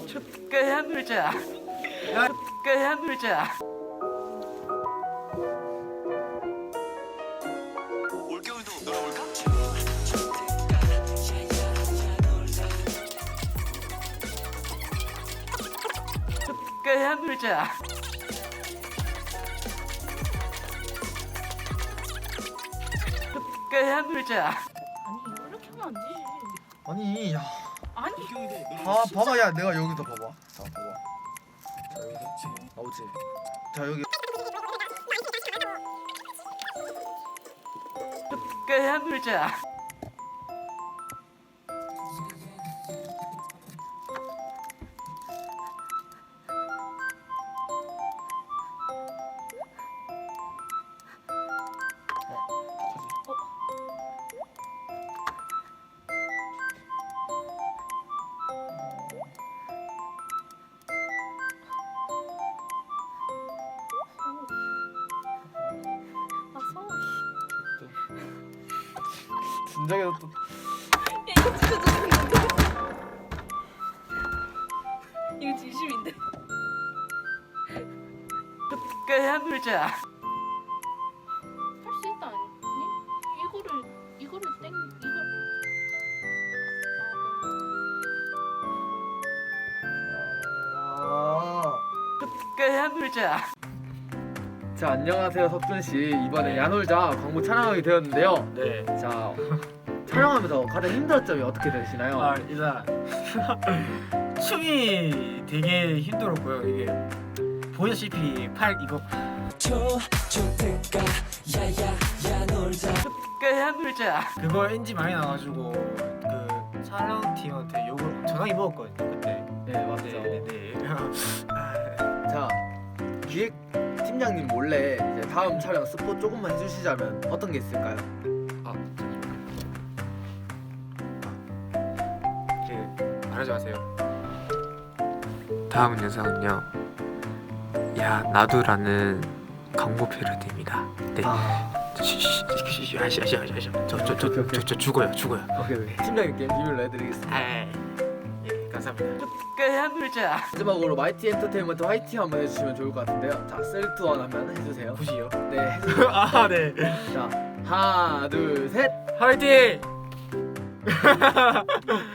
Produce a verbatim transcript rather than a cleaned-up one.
축가야 놀자. 축가야 놀자. 올겨울도 놀아볼까? 축가야 놀자. 축가야 놀자. 아니 이거 이렇게 하면 안 되지. 아니 야, 아니 아 봐봐 야 내가 여기서 봐봐. 자 봐봐. 자 여기서 나오지. 자 여기 축가야 놀자. 아 서울. 진작에 또 야 이거 진짜 진심인데. 이거 진심인데. 축가야 놀자. 할 수 있다 아니? 이거를 이거를 땡 이걸. 아. 축가야 놀자. 자 안녕하세요 석준 씨. 이번에 야놀자 광고 촬영하게 되었는데요. 네. 자 촬영하면서 가장 힘들었던 점이 어떻게 되시나요? 아 일단 춤이 되게 힘들었고요. 이게 보시다시피 팔 이거 축가야 놀자. 그거 엔지 많이 나가지고 그 촬영팀한테 욕을 엄청나게 먹었거든요 그때. 네 맞죠. 네네네. 자 기획 팀장님 몰래 이제 다음 촬영 스포 조금만 해주시자면 어떤 게 있을까요? 아 그 말하지 마세요. 다음 영상은요. 야 나도라는 광고 패러디입니다. 네. 아 쉬쉬쉬쉬쉬 아시 아시 아시 아시 저저저저 죽어요 죽어요. 오케이 오케이. 팀장님께 비밀로 해드리겠습니다. 아 예, 감사합니다. 축가야 놀자. 마지막으로 마이티 엔터테인먼트 화이팅 한번 해주시면 좋을 것 같은데요. 자 쓰리 투 원 하면 해주세요. 굳이요? 네 해주세요. 아 네. 자 하나 둘 셋. 화이팅!